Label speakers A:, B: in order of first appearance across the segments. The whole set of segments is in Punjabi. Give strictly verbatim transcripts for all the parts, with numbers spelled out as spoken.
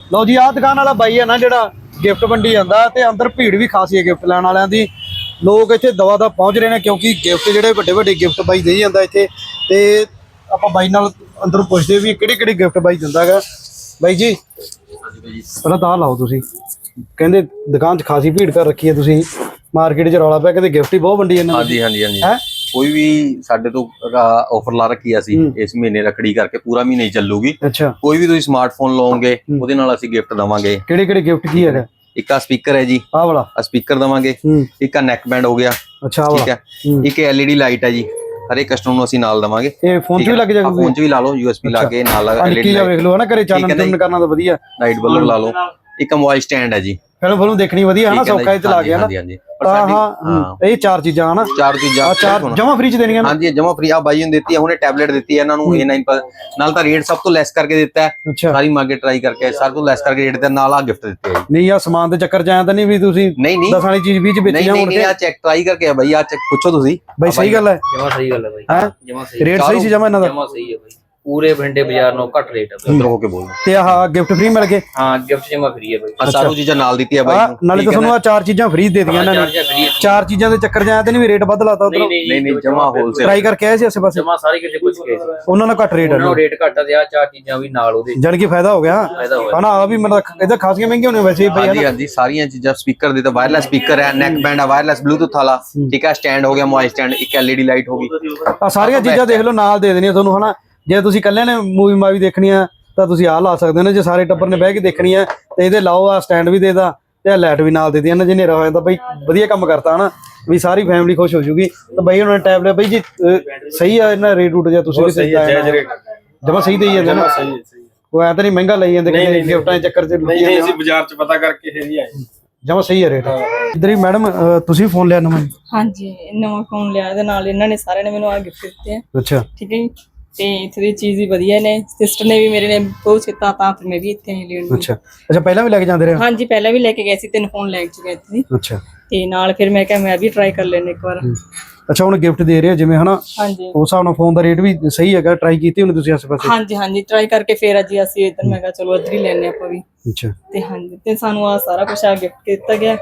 A: ਲਓ ਜੀ ਆਹ ਦੁਕਾਨ ਵਾਲਾ ਬਾਈ ਹੈ ਨਾ ਜਿਹੜਾ ਗਿਫਟ ਵੰਡੀ ਜਾਂਦਾ ਤੇ ਅੰਦਰ ਭੀੜ ਵੀ ਖਾਸੀ ਹੈ ਗਿਫਟ ਲੈਣ ਵਾਲਿਆਂ ਦੀ। ਲੋਕ ਇੱਥੇ ਦਵਾ ਦਾ ਪਹੁੰਚ ਰਹੇ ਨੇ ਕਿਉਂਕਿ ਗਿਫਟ ਜਿਹੜੇ ਵੱਡੇ ਵੱਡੇ ਗਿਫਟ ਬਾਈ ਦੇ ਜਾਂਦਾ ਇੱਥੇ। ਤੇ ਆਪਾਂ ਬਾਈ ਨਾਲ ਅੰਦਰ ਪੁੱਛਦੇ ਵੀ ਕਿਹੜੇ ਕਿਹੜੇ ਗਿਫਟ ਬਾਈ ਦਿੰਦਾ ਹੈਗਾ। ਬਾਈ ਜੀ ਪਹਿਲਾਂ ਤਾਂ ਲਾਓ ਤੁਸੀਂ, ਕਹਿੰਦੇ ਦੁਕਾਨ 'ਚ ਖਾਸੀ ਭੀੜ ਕਰ ਰੱਖੀ ਹੈ ਤੁਸੀਂ, ਮਾਰਕੀਟ 'ਚ ਰੌਲਾ ਪਿਆ ਕਹਿੰਦੇ ਗਿਫਟ ਹੀ ਬਹੁਤ ਵੰਡੀ ਜਾਂਦੇ।
B: ਹਾਂਜੀ ਹਾਂਜੀ ਹਾਂਜੀ ਕੋਈ ਵੀ ਸਾਡੇ ਤੋਂ ਆਫਰ ਲਾ ਰੱਖੀ ਅਸੀਂ ਇਸ ਮਹੀਨੇ ਰੱਖੜੀ ਕਰਕੇ ਪੂਰਾ ਮਹੀਨਾ ਹੀ ਚੱਲੂਗੀ।
A: ਅੱਛਾ
B: ਕੋਈ ਵੀ ਤੁਸੀਂ ਸਮਾਰਟਫੋਨ ਲਓਗੇ ਉਹਦੇ ਨਾਲ ਅਸੀਂ ਗਿਫਟ ਦਵਾਂਗੇ।
A: ਕਿਹੜੇ ਕਿਹੜੇ ਗਿਫਟ ਕੀ ਹੈਗਾ?
B: ਇੱਕ ਆ ਸਪੀਕਰ ਹੈ ਜੀ,
A: ਆਹ ਵਾਲਾ
B: ਆ ਸਪੀਕਰ ਦਵਾਂਗੇ। ਇੱਕ ਆ ਨੈਕ ਬੈਂਡ ਹੋ ਗਿਆ।
A: ਅੱਛਾ
B: ਠੀਕ ਹੈ। ਇੱਕ ਐਲਈਡੀ ਲਾਈਟ ਹੈ ਜੀ, ਹਰੇਕ ਕਸਟਮਰ ਨੂੰ ਅਸੀਂ ਨਾਲ ਦਵਾਂਗੇ।
A: ਇਹ ਫੋਨ 'ਚ ਵੀ ਲੱਗ ਜਾਏਗਾ?
B: ਫੋਨ 'ਚ ਵੀ ਲਾ ਲਓ, ਯੂਐਸਬੀ ਲਾ ਕੇ ਨਾਲ
A: ਐਲਈਡੀ ਲਾਈਟ ਵੇਖ ਲਓ ਨਾ, ਘਰੇ ਚਾਨਣ ਚੁੰਨ ਕਰਨਾ ਤਾਂ ਵਧੀਆ
B: ਲਾਈਟ ਬਲਬ ਲਾ ਲਓ। ਇੱਕ ਮੋਬਾਈਲ ਸਟੈਂਡ ਹੈ ਜੀ,
A: ਫਿਲਮ ਫਿਲਮ ਦੇਖਣੀ ਵਧੀਆ ਹੈ ਨਾ, ਸੌਖਾ ਚ ਲਾ ਗਿਆ ਨਾ।
B: ਹਾਂਜੀ ਹਾਂਜੀ
A: ਹਾਂ ਇਹ ਚਾਰ ਚੀਜ਼ਾਂ ਹਨਾ,
B: ਚਾਰ ਚੀਜ਼ਾਂ
A: ਚਾਰ ਜਮਾ ਫ੍ਰੀ ਚ ਦੇਣੀਆਂ।
B: ਹਾਂਜੀ ਜਮਾ ਫ੍ਰੀ। ਆ ਬਾਈ ਨੂੰ ਦਿੱਤੀ ਹੈ ਹੁਣੇ, ਟੈਬਲੇਟ ਦਿੱਤੀ ਹੈ ਇਹਨਾਂ ਨੂੰ ਏ ਨਾਈਨ ਨਾਲ ਤਾਂ ਰੇਟ ਸਭ ਤੋਂ ਲੈਸ ਕਰਕੇ ਦਿੱਤਾ ਹੈ। ਸਾਰੀ ਮਾਰਕੀਟ ਟਰਾਈ ਕਰਕੇ ਸਭ ਤੋਂ ਲੈਸ ਕਰਕੇ ਰੇਟ ਦੇ ਨਾਲ ਆ ਗਿਫਟ ਦਿੱਤੇ ਹੈ।
A: ਨਹੀਂ ਆ ਸਮਾਨ ਦੇ ਚੱਕਰ ਚ ਆਇਆ ਤਾਂ ਨਹੀਂ ਵੀ ਤੁਸੀਂ
B: ਨਹੀਂ ਨਹੀਂ
A: ਦਸ ਵਾਲੀ ਚੀਜ਼ ਵੀਹ ਚ ਵੇਚੀਆਂ
B: ਹੋਣ? ਨਹੀਂ ਆ ਚੈੱਕ ਟਰਾਈ ਕਰਕੇ ਆ ਬਾਈ, ਆ ਚੈੱਕ ਪੁੱਛੋ ਤੁਸੀਂ
A: ਬਾਈ। ਸਹੀ ਗੱਲ ਹੈ,
C: ਜਮਾ ਸਹੀ ਗੱਲ ਹੈ ਬਾਈ,
A: ਹੈ
C: ਜਮਾ ਸਹੀ
A: ਰੇਟ ਸਹੀ ਸੀ ਜਮਾ ਇਹਨਾਂ ਦਾ,
C: ਜਮਾ ਸਹੀ ਹੈ ਬਾਈ। ਪੂਰੇ ਭਿੰਡੇ ਬਾਜ਼ਾਰ ਨੂੰ ਘੱਟ ਰੇਟ ਹੈ।
B: ਅੰਦਰ ਹੋ ਕੇ ਬੋਲ।
A: ਤੇ ਆਹ ਗਿਫਟ ਫ੍ਰੀ ਮਿਲ ਗਏ?
C: ਹਾਂ ਗਿਫਟ ਜਮਾ ਫ੍ਰੀ ਹੈ ਬਾਈ।
B: ਸਾਰੂ ਚੀਜ਼ਾਂ ਨਾਲ ਦਿੱਤੀ ਹੈ ਬਾਈ ਨੂੰ।
A: ਨਾਲੇ ਤਾਂ ਤੁਹਾਨੂੰ ਆ ਚਾਰ ਚੀਜ਼ਾਂ ਫ੍ਰੀ ਦੇ ਦਿੱਤੀਆਂ ਇਹਨਾਂ ਨੇ। ਚਾਰ ਚੀਜ਼ਾਂ ਦੇ ਚੱਕਰ ਚ ਆਇਆ ਤਾਂ ਨਹੀਂ ਵੀ ਰੇਟ ਵੱਧ ਲਾਤਾ ਉਧਰੋਂ?
B: ਨਹੀਂ ਨਹੀਂ ਜਮਾ ਹੋਲਸੇਲ
A: ਟਰਾਈ ਕਰਕੇ ਆਏ ਸੀ ਆਸੇ ਪਾਸੇ?
C: ਜਮਾ ਸਾਰੇ ਕਿਤੇ ਪੁੱਛ ਕੇ
A: ਉਹਨਾਂ ਨਾਲ ਘੱਟ ਰੇਟ ਹੈ,
C: ਉਹਨਾਂ ਰੇਟ ਘੱਟ ਤੇ ਆ ਚਾਰ ਚੀਜ਼ਾਂ ਵੀ ਨਾਲ ਉਹਦੇ
A: ਜਾਨ ਕੀ ਫਾਇਦਾ ਹੋ ਗਿਆ ਹਨਾ। ਆ ਵੀ ਮਤਲਬ ਇਹਦਾ ਖਾਸੀਆਂ ਮਹਿੰਗੀਆਂ ਹੋਣੀਆਂ ਵੈਸੇ ਬਈ।
B: ਹਾਂਜੀ ਹਾਂਜੀ ਸਾਰੀਆਂ ਚੀਜ਼ਾਂ। ਸਪੀਕਰ ਦੇ ਤਾਂ ਵਾਇਰਲੈਸ ਸਪੀਕਰ ਹੈ, ਨੈਕ ਬੈਂਡ ਹੈ, ਵਾਇਰਲੈਸ ਬਲੂਟੁੱਥ ਵਾਲਾ। ਠੀਕ ਹੈ। ਸਟੈਂਡ ਹੋ ਗਿਆ, ਮੋਬਾਈਲ ਸਟੈਂਡ। ਇੱਕ ਐਲਈਡੀ ਲਾਈਟ ਹੋ ਗਈ।
A: ਆ ਸਾਰੀਆਂ ਚੀਜ਼ਾਂ ਦੇਖ ਲਓ ਨਾਲ ਦੇ ਦੇਣੀਆਂ ਤੁਹਾਨੂੰ ਹਨਾ। ਜੇ ਤੁਸੀਂ ਇਕੱਲੇ ਨੇ ਮੂਵੀ ਮਾਵੀ ਦੇਖਣੀ ਆ ਤਾਂ ਤੁਸੀਂ ਆਹ ਲਾ ਸਕਦੇ ਹੋ ਨਾ। ਜੇ ਸਾਰੇ ਟੱਬਰ ਨੇ ਬਹਿ ਕੇ ਦੇਖਣੀ ਆ ਤੇ ਇਹਦੇ ਲਾਓ, ਆ ਸਟੈਂਡ ਵੀ ਦੇਦਾ ਤੇ ਲਾਈਟ ਵੀ ਨਾਲ ਦੇ ਦਿੱਤੀ ਨਾ। ਜੇ ਹਨੇਰਾ ਹੋ ਜਾਂਦਾ ਬਈ ਵਧੀਆ ਕੰਮ ਕਰਤਾ ਹਨਾ, ਵੀ ਸਾਰੀ ਫੈਮਿਲੀ ਖੁਸ਼ ਹੋ ਜੂਗੀ। ਤਾਂ ਬਈ ਉਹਨਾਂ ਨੇ ਟੈਬਲੇਟ ਬਈ ਜੀ ਸਹੀ ਆ ਇਹਨਾਂ ਰੇਟ ਰੂਟ ਜਾਂ ਤੁਸੀਂ ਵੀ ਸਹੀ ਜਮਾ ਸਹੀ ਦੇਈ ਜਾਂਦੇ ਨਾ? ਉਹ ਐ ਤਾਂ ਨਹੀਂ ਮਹਿੰਗਾ ਲਈ ਜਾਂਦੇ ਕਿ ਗਿਫਟਾਂ ਦੇ ਚੱਕਰ 'ਚ?
D: ਨਹੀਂ ਅਸੀਂ ਬਾਜ਼ਾਰ 'ਚ ਪਤਾ ਕਰਕੇ ਹੀ ਆਏ।
A: ਜਮਾ ਸਹੀ ਹੈ ਰੇਟ। ਇੱਧਰ ਹੀ ਮੈਡਮ ਤੁਸੀਂ ਫੋਨ ਲਿਆ ਨਵਾਂ?
E: ਹਾਂਜੀ ਨਵਾਂ ਫੋਨ ਲਿਆ, ਇਹਦੇ ਨਾਲ ਇਹਨਾਂ ਨੇ ਸਾਰਿਆਂ ਨੇ ਮੈਨੂੰ ਆ ਗਿਫਟ ਦਿੱਤੇ ਆ।
A: ਅੱਛਾ ਠੀਕ
E: ਹੈ ਜੀ। ਤੇ ਇੱਥੇ ਦੀ ਚੀਜ਼ ਵੀ ਵਧੀਆ ਨੇ, ਸਿਸਟਰ ਨੇ ਵੀ ਮੇਰੇ ਨੇ ਬਹੁਤ ਕੀਤਾ ਤਾਂ ਫਿਰ ਮੈਂ ਵੀ ਇੱਥੇ ਹੀ ਲੈਣ।
A: ਅੱਛਾ ਅੱਛਾ ਪਹਿਲਾਂ ਵੀ ਲੈ ਕੇ ਜਾਂਦੇ ਰਹੇ?
E: ਹਾਂਜੀ ਪਹਿਲਾਂ ਵੀ ਲੈ ਕੇ ਗਏ ਸੀ, ਤਿੰਨ ਫੋਨ ਲੈ ਕੇ ਗਏ ਸੀ।
A: ਅੱਛਾ
E: ਤੇ ਨਾਲ ਫਿਰ ਮੈਂ ਕਿਹਾ ਮੈਂ ਵੀ ਟਰਾਈ ਕਰ ਲੈਣੇ ਇੱਕ ਵਾਰ।
A: ਅੱਛਾ ਹੁਣ ਗਿਫਟ ਦੇ ਰਹੇ ਜਿਵੇਂ ਹਨਾ,
E: ਹਾਂਜੀ
A: ਉਸ ਹਿਸਾਬ ਨਾਲ ਫੋਨ ਦਾ ਰੇਟ ਵੀ ਸਹੀ ਹੈਗਾ? ਟਰਾਈ ਕੀਤੀ ਹੋਣੀ ਤੁਸੀਂ ਆਸੇ ਪਾਸੇ?
E: ਹਾਂਜੀ ਹਾਂਜੀ ਟਰਾਈ ਕਰਕੇ ਫਿਰ ਅੱਜ ਅਸੀਂ ਇੱਧਰ ਮੈਂ ਕਿਹਾ ਚਲੋ ਇੱਧਰ ਹੀ ਲੈਣੇ ਆਪਾਂ ਵੀ।
A: ਅੱਛਾ
E: ਤੇ ਹਾਂਜੀ ਤੇ ਸਾਨੂੰ ਆ ਸਾਰਾ ਕੁਝ ਆ ਗਿਫਟ ਦਿੱਤਾ ਗਿਆ।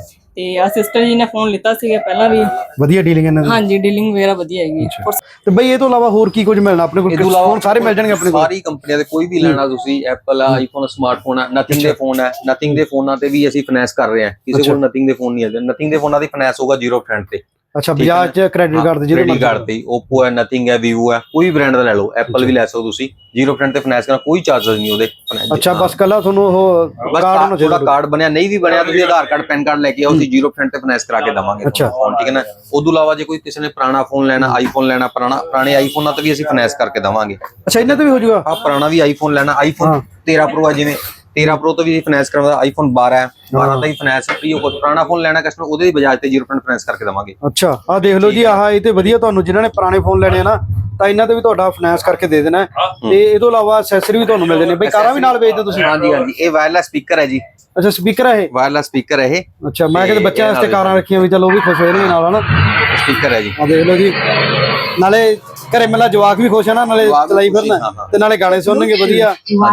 E: ਤੇ ਆ ਸਿਸਟਰ ਜੀ ਨੇ ਫੋਨ ਲਿੱਤਾ ਸੀਗਾ ਪਹਿਲਾਂ ਵੀ।
A: ਵਧੀਆ ਡੀਲਿੰਗ ਇਹਨਾਂ ਦੀ?
E: ਹਾਂਜੀ ਡੀਲਿੰਗ ਵਗੈਰਾ ਵਧੀਆ ਹੈਗੀ।
A: ਤੇ ਬਈ ਇਹ ਤੋਂ ਇਲਾਵਾ ਹੋਰ ਕੀ ਕੁਝ ਮਿਲਣਾ ਆਪਣੇ ਕੋਲ? ਫੋਨ ਸਾਰੇ ਮਿਲ ਜਾਣਗੇ ਆਪਣੇ ਕੋਲ?
B: ਸਾਰੀ ਕੰਪਨੀਆਂ ਦੇ ਕੋਈ ਵੀ ਲੈਣਾ ਤੁਸੀਂ, ਐਪਲ ਆ, ਆਈਫੋਨ, ਸਮਾਰਟਫੋਨ ਹੈ, ਨਥਿੰਗ ਦੇ ਫੋਨ ਹੈ। ਨਥਿੰਗ ਦੇ ਫੋਨਾਂ ਤੇ ਵੀ ਅਸੀਂ ਫਾਈਨੈਂਸ ਕਰ ਰਹੇ ਹਾਂ। ਕਿਸੇ ਕੋਲ ਨਥਿੰਗ ਦੇ ਫੋਨ ਨਹੀਂ ਹੈ, ਨਥਿੰਗ ਦੇ ਫੋਨਾਂ ਦੀ ਫਾਈਨੈਂਸ ਹੋਗਾ ਜ਼ੀਰੋ ਪਰਸੈਂਟ ਤੇ।
A: ਅੱਛਾ ਬਜਾਜ ਚ ਕ੍ਰੈਡਿਟ ਕਾਰਡ ਤੇ?
B: ਕ੍ਰੈਡਿਟ ਕਾਰਡ ਤੇ ਓਪੋ ਹੈ, ਨਥਿੰਗ ਹੈ, ਵੀਵੋ ਹੈ, ਕੋਈ ਬ੍ਰਾਂਡ ਦਾ ਲੈ ਲਓ। ਐਪਲ ਵੀ ਲੈ ਸਕਦੇ ਤੁਸੀਂ, ਜ਼ੀਰੋ ਪਰਸੈਂਟ ਤੇ ਫਾਈਨੈਂਸ ਕਰਨਾ, ਕੋਈ ਚਾਰजेस ਨਹੀਂ ਉਹਦੇ।
A: ਅੱਛਾ ਬਸ ਕੱਲਾ ਤੁਹਾਨੂੰ ਉਹ
B: ਕਾਰਡ ਹੋਣਾ ਚਾਹੀਦਾ। ਕਾਰਡ ਬਣਿਆ ਨਹੀਂ ਵੀ ਬਣਿਆ ਤੁਸੀਂ ਆਧਾਰ ਕਾਰਡ ਪੈਨ ਕਾਰਡ ਲੈ ਕੇ ਆਓ, ਅਸੀਂ ਜ਼ੀਰੋ ਪਰਸੈਂਟ ਤੇ ਫਾਈਨੈਂਸ ਕਰਾ ਕੇ ਦਵਾਂਗੇ।
A: ਅੱਛਾ
B: ਠੀਕ ਹੈ ਨਾ। ਉਦੋਂ ਇਲਾਵਾ ਜੇ ਕੋਈ ਕਿਸੇ ਨੇ ਪੁਰਾਣਾ ਫੋਨ ਲੈਣਾ, ਆਈਫੋਨ ਲੈਣਾ, ਪੁਰਾਣਾ ਪੁਰਾਣੇ ਆਈਫੋਨਾਂ ਤੇ ਵੀ ਅਸੀਂ ਫਾਈਨੈਂਸ ਕਰਕੇ ਦਵਾਂਗੇ।
A: ਅੱਛਾ ਇਹਨਾਂ ਤੇ ਵੀ ਹੋ ਜਾਊਗਾ?
B: ਹਾਂ ਪੁਰਾਣਾ ਵੀ ਆਈਫੋਨ ਲੈਣਾ, ਆਈਫੋਨ ਤੇਰਾਂ ਪ੍ਰੋ ਹੈ ਜਿਵੇਂ, ਤੇਰਾਂ ਪ੍ਰੋ ਤੋਂ ਵੀ ਫਾਈਨੈਂਸ ਕਰਵਾਉਂਦਾ। ਆਈਫੋਨ ਬਾਰਾਂ ਹੈ, ਬਾਰਾਂ ਦਾ ਵੀ ਫਾਈਨੈਂਸ ਫ੍ਰੀ ਹੋ। ਪੁਰਾਣਾ ਫੋਨ ਲੈਣਾ ਕਸਟਮਰ ਉਹਦੇ ਦੀ ਬਜਾਜ ਤੇ ਜ਼ੀਰੋ ਪਰਸੈਂਟ ਫਾਈਨੈਂਸ ਕਰਕੇ ਦਵਾਂਗੇ।
A: ਅੱਛਾ ਆਹ ਦੇਖ ਲਓ ਜੀ, ਆਹ ਇਹ ਤੇ ਵਧੀਆ ਤੁਹਾਨੂੰ ਜਿਨ੍ਹਾਂ ਨੇ ਪੁਰਾਣੇ ਫੋਨ ਲੈਣੇ ਆ ਨਾ ਤਾਂ ਇਹਨਾਂ ਤੇ ਵੀ ਤੁਹਾਡਾ ਫਾਈਨੈਂਸ ਕਰਕੇ ਦੇ ਦੇਣਾ। ਤੇ ਇਹ ਤੋਂ ਇਲਾਵਾ ਐਕਸੈਸਰੀ ਵੀ ਤੁਹਾਨੂੰ ਮਿਲ ਜਾਣੇ। ਬਈ ਕਾਰਾਂ ਵੀ ਨਾਲ ਵੇਚਦੇ ਤੁਸੀਂ?
B: ਹਾਂਜੀ ਹਾਂਜੀ ਇਹ ਵਾਇਰਲੈਸ ਸਪੀਕਰ ਹੈ ਜੀ।
A: ਅੱਛਾ ਸਪੀਕਰ ਹੈ ਇਹ?
B: ਵਾਇਰਲੈਸ ਸਪੀਕਰ ਹੈ ਇਹ।
A: ਅੱਛਾ ਮੈਂ ਕਿਤੇ ਬੱਚਿਆਂ ਵਾਸਤੇ ਕਾਰਾਂ ਰੱਖੀਆਂ ਵੀ ਚਲੋ ਉਹ ਵੀ ਖੁਸ਼ ਹੋ ਜਾਣਗੇ ਨਾਲ ਹਨਾ।
B: ਸਪੀਕਰ ਹੈ ਜੀ।
A: ਆ ਦੇਖ ਲਓ ਜੀ, ਨਾਲੇ ਘਰੇ ਮੇਲਾ ਜਵਾਕ ਵੀ ਖੁਸ਼ ਹੈ ਨਾ, ਨਾਲੇ ਚਲਾਈ ਫਿਰਨਾ ਤੇ ਨਾਲੇ ਗਾਣੇ ਸੁਣਨਗੇ ਵਧੀਆ।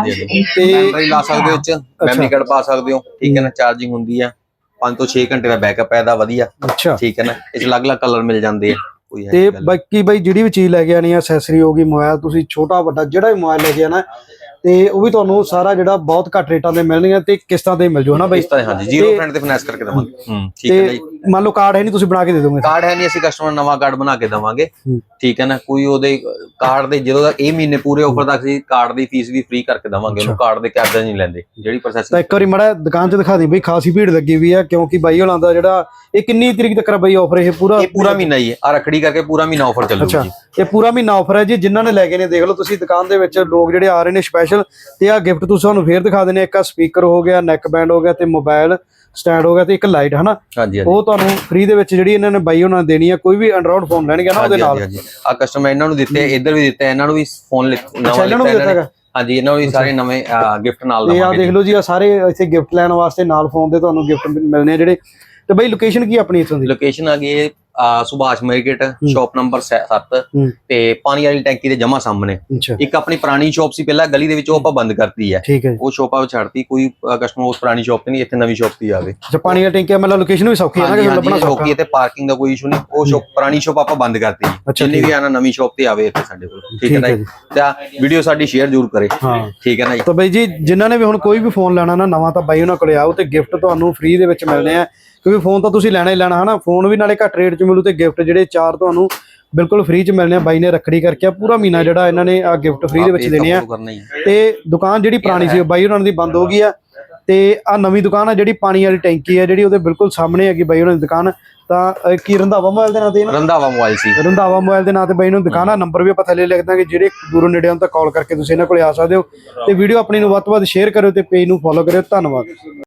B: ਤੇ ਮੈਮਰੀ ਲਾ ਸਕਦੇ ਹੋ, ਚ ਮੈਮਰੀ ਕਾਰਡ ਪਾ ਸਕਦੇ ਹੋ। ਠੀਕ ਹੈ ਨਾ। ਚਾਰਜਿੰਗ ਹੁੰਦੀ ਆ, ਪੰਜ ਤੋਂ ਛੇ ਘੰਟੇ ਦਾ ਬੈਕਅਪ ਹੈ ਇਹਦਾ ਵਧੀਆ।
A: ਅੱਛਾ ਠੀਕ
B: ਹੈ ਨਾ। ਇਸ ਅਲੱਗ-ਅਲੱਗ ਕਲਰ ਮਿਲ ਜਾਂਦੇ ਆ।
A: ਤੇ ਬਾਕੀ ਬਾਈ ਜਿਹੜੀ ਵੀ ਚੀਜ਼ ਲੈ ਕੇ ਆਣੀ ਆ, ਐਕਸੈਸਰੀ ਹੋ ਗਈ, ਮੋਬਾਈਲ ਤੁਸੀਂ ਛੋਟਾ ਵੱਡਾ ਜਿਹੜਾ ਵੀ ਮੋਬਾਈਲ ਲੈ ਕੇ ਆਣਾ ਤੇ ਉਹ ਵੀ ਤੁਹਾਨੂੰ ਸਾਰਾ ਜਿਹੜਾ ਬਹੁਤ ਘੱਟ ਰੇਟਾਂ ਤੇ ਮਿਲਣਗੇ ਤੇ ਕਿਸ਼ਤਾਂ ਤੇ ਮਿਲ ਜੂ ਹਨਾ ਬਾਈ?
B: ਹਾਂਜੀ ਜ਼ੀਰੋ ਪਰਸੈਂਟ ਤੇ ਫਾਈਨੈਂਸ ਕਰਕੇ ਦਵਾਂਗੇ। ਹੂੰ ਠੀਕ ਹੈ ਜੀ।
A: ਮੰਨ ਲਓ ਕਾਰਡ ਹੈ ਨਹੀਂ, ਤੁਸੀਂ ਬਣਾ ਕੇ ਦੇ ਦੋਗੇ?
B: ਕਾਰਡ ਹੈ ਨਹੀਂ, ਅਸੀਂ ਕਸਟਮਰ ਨਵਾਂ ਕਾਰਡ ਬਣਾ ਕੇ ਦਵਾਂਗੇ। ਠੀਕ ਹੈ ਨਾ। ਕੋਈ ਉਹਦੇ ਕਾਰਡ ਦੇ ਜਦੋਂ ਤੱਕ ਇਹ ਮਹੀਨੇ ਪੂਰੇ ਆਫਰ ਤੱਕ ਅਸੀਂ ਕਾਰਡ ਦੀ ਫੀਸ ਵੀ ਫ੍ਰੀ ਕਰਕੇ ਦਵਾਂਗੇ। ਉਹਨੂੰ ਕਾਰਡ ਦੇ ਚਾਰਜਸ ਨਹੀਂ ਲੈਂਦੇ ਜਿਹੜੀ ਪ੍ਰੋਸੈਸਿੰਗ। ਤਾਂ
A: ਇੱਕ ਵਾਰੀ ਮਾੜਾ ਦੁਕਾਨ 'ਚ ਦਿਖਾ ਦੇ ਬਈ, ਖਾਸੀ ਭੀੜ ਲੱਗੀ ਵੀ ਆ ਕਿਉਂਕਿ ਬਾਈ ਹੋਣਾ ਦਾ ਜਿਹੜਾ ਇਹ ਕਿੰਨੀ ਤਰੀਕ ਤੱਕ ਬਾਈ ਆਫਰ? ਇਹ ਪੂਰਾ
B: ਇਹ ਪੂਰਾ ਮਹੀਨਾ ਹੀ ਹੈ। ਆ ਰੱਖੜੀ ਕਰਕੇ ਪੂਰਾ ਮਹੀਨਾ ਆਫਰ ਚੱਲੂਗਾ ਜੀ।
A: ਇਹ ਪੂਰਾ ਮਹੀਨਾ ਆਫਰ ਹੈ ਜੀ। ਜਿਨ੍ਹਾਂ ਨੇ ਲੈ ਕੇ ਨੇ ਦੇਖ ਲਓ ਤੁਸੀਂ ਦੁਕਾਨ ਦੇ ਵਿੱਚ ਲੋਕ ਜਿਹੜੇ ਆ ਰਹੇ ਨੇ ਸਪੈਸ਼ਲ। ਤੇ ਆ ਗਿਫਟ ਤੁਸੀਂ ਤੁਹਾਨੂੰ ਫੇਰ ਦਿਖਾ ਦਿੰਦੇ। ਇੱਕ ਆ ਸਪੀਕਰ ਹੋ ਗਿਆ, ਨੈਕ ਬੈਂਡ ਹੋ ਗਿਆ, ਤੇ ਮੋਬਾਈਲ ਸਟੈਂਡ ਹੋ ਗਿਆ, ਤੇ ਇੱਕ ਲਾਈਟ ਹਨਾ।
B: ਹਾਂਜੀ
A: ਉਹ ਤੁਹਾਨੂੰ ਫ੍ਰੀ ਦੇ ਵਿੱਚ ਜਿਹੜੀ ਇਹਨਾਂ ਨੇ ਬਾਈ ਉਹਨਾਂ ਨੇ ਦੇਣੀ ਆ। ਕੋਈ ਵੀ ਐਂਡਰੋਇਡ ਫੋਨ ਲੈਣਗੇ ਨਾ ਉਹਦੇ ਨਾਲ।
B: ਆ ਕਸਟਮਰ ਇਹਨਾਂ ਨੂੰ ਦਿੱਤੇ, ਇੱਧਰ ਵੀ ਦਿੱਤੇ, ਇਹਨਾਂ ਨੂੰ ਵੀ ਫੋਨ ਨਵਾਂ ਦਿੱਤਾ। ਹਾਂਜੀ ਇਹਨਾਂ ਨੂੰ ਵੀ ਸਾਰੇ ਨਵੇਂ ਗਿਫਟ ਨਾਲ ਦਵਾਂਗੇ।
A: ਇਹ ਆ ਦੇਖ ਲਓ ਜੀ, ਆ ਸਾਰੇ ਇੱਥੇ ਗਿਫਟ ਲੈਣ ਵਾਸਤੇ ਨਾਲ ਫੋਨ ਦੇ ਤੁਹਾਨੂੰ ਗਿਫਟ ਮਿਲਣੇ ਜਿਹੜੇ। ਤੇ ਬਾਈ ਲੋਕੇਸ਼ਨ ਕੀ ਆਪਣੀ ਇੱਥੋਂ ਦੀ?
B: ਲੋਕੇਸ਼ਨ ਆ ਗਈ ਅਹ ਸੁਭਾਸ਼ ਮਾਰਕੀਟ ਸ਼ਾਪ ਨੰਬਰ ਸੱਤ
A: ਹੂੰ।
B: ਤੇ ਪਾਣੀ ਵਾਲੀ ਟੈਂਕੀ ਦੇ ਜਮਾ ਸਾਹਮਣੇ।
A: ਅੱਛਾ
B: ਇੱਕ ਆਪਣੀ ਪੁਰਾਣੀ ਸ਼ਾਪ ਸੀ ਪਹਿਲਾਂ ਗਲੀ ਦੇ ਵਿੱਚ, ਉਹ ਆਪਾਂ ਬੰਦ ਕਰਤੀ ਹੈ।
A: ਠੀਕ ਹੈ ਜੀ।
B: ਉਹ ਸ਼ਾਪ ਆ ਛੱਡਤੀ, ਕੋਈ ਕਸਟਮਰ ਉਸ ਪੁਰਾਣੀ ਸ਼ਾਪ ਤੇ ਨਹੀਂ, ਇੱਥੇ ਨਵੀਂ ਸ਼ਾਪ ਤੇ ਆਵੇ।
A: ਅੱਛਾ ਪਾਣੀ ਦਾ ਟੈਂਕੀ ਮਤਲਬ ਲੋਕੇਸ਼ਨ ਵੀ ਸੌਖੀ ਹੈ ਨਾ, ਕਿ ਲੱਭਣਾ ਸੌਖਾ
B: ਸੌਖੀ ਹੈ ਤੇ ਪਾਰਕਿੰਗ ਦਾ ਕੋਈ ਇਸ਼ੂ ਨਹੀਂ। ਉਹ ਸ਼ਾਪ ਪੁਰਾਣੀ ਸ਼ਾਪ ਆਪਾਂ ਬੰਦ ਕਰਤੀ।
A: ਅੱਛਾ,
B: ਜਿੰਨੀ
A: ਠੀਕ
B: ਵੀ ਆਣਾ ਨਵੀਂ ਸ਼ਾਪ ਤੇ ਆਵੇ ਇੱਥੇ ਸਾਡੇ ਕੋਲ। ਠੀਕ ਹੈ ਨਾ ਜੀ? ਤੇ ਵੀਡੀਓ ਸਾਡੀ ਸ਼ੇਅਰ ਜ਼ਰੂਰ ਕਰੇ।
A: ਹਾਂ
B: ਠੀਕ ਹੈ ਨਾ ਜੀ?
A: ਤਾਂ ਬਾਈ ਜੀ ਜਿਨ੍ਹਾਂ ਨੇ ਵੀ ਹੁਣ ਕੋਈ ਵੀ ਫੋਨ ਲੈਣਾ ਨਾ ਨਵਾਂ, ਤਾਂ ਬਾਈ ਉਹਨਾਂ ਕੋਲੇ ਆਓ ਤੇ ਗਿਫਟ ਤੁਹਾਨੂੰ ਫ੍ਰੀ ਦੇ ਵਿੱਚ ਮਿਲਣੇ ਆ, ਕਿਉਂਕਿ ਫੋਨ ਤਾਂ ਤੁਸੀਂ ਲੈਣਾ ਹੀ ਲੈਣਾ ਹਨਾ। ਫੋਨ ਵੀ ਨਾਲੇ ਘੱਟ ਰੇਟ 'ਚ ਮਿਲੂ ਤੇ ਗਿਫਟ ਜਿਹੜੇ ਚਾਰ ਤੁਹਾਨੂੰ ਬਿਲਕੁਲ ਫ੍ਰੀ 'ਚ ਮਿਲਣੇ ਆ। ਬਾਈ ਨੇ ਰੱਖੜੀ ਕਰਕੇ ਪੂਰਾ ਮਹੀਨਾ ਜਿਹੜਾ ਇਹਨਾਂ ਨੇ ਆ ਗਿਫਟ ਫ੍ਰੀ ਦੇ ਵਿੱਚ ਦੇਣੇ ਆ। ਤੇ ਦੁਕਾਨ ਜਿਹੜੀ ਪੁਰਾਣੀ ਸੀ ਬਾਈ ਉਹਨਾਂ ਦੀ ਬੰਦ ਹੋ ਗਈ ਆ, ਤੇ ਆ ਨਵੀਂ ਦੁਕਾਨ ਆ ਜਿਹੜੀ ਪਾਣੀ ਵਾਲੀ ਟੈਂਕੀ ਆ ਜਿਹੜੀ ਉਹਦੇ ਬਿਲਕੁਲ ਸਾਹਮਣੇ ਹੈਗੀ ਬਾਈ ਉਹਨਾਂ ਦੀ ਦੁਕਾਨ। ਤਾਂ ਅਹ, ਕੀ ਰੰਧਾਵਾ ਮੋਬਾਈਲ ਦੇ ਨਾਂ ਤੇ ਨਾ
B: ਰੰਧਾਵਾ ਮੋਬਾਈਲ ਸੀ,
A: ਰੰਧਾਵਾ ਮੋਬਾਈਲ ਦੇ ਨਾਂ ਤੇ ਬਾਈ ਨੂੰ ਦੁਕਾਨ ਆ। ਨੰਬਰ ਵੀ ਆਪਾਂ ਥੱਲੇ ਲਿਖ ਦਾਂਗੇ, ਜਿਹੜੇ ਦੂਰੋਂ ਨੇੜੇ ਹੋਣ ਤਾਂ ਕਾਲ ਕਰਕੇ ਤੁਸੀਂ ਇਹਨਾਂ ਕੋਲੇ ਆ ਸਕਦੇ ਹੋ। ਤੇ ਵੀਡੀਓ ਆਪਣੀ ਨੂੰ ਵੱਧ ਤੋਂ ਵੱਧ ਸ਼ੇਅਰ ਕਰਿਓ ਤੇ ਪੇਜ ਨੂੰ ਫੋਲੋ ਕਰਿਓ। ਧੰਨਵਾਦ।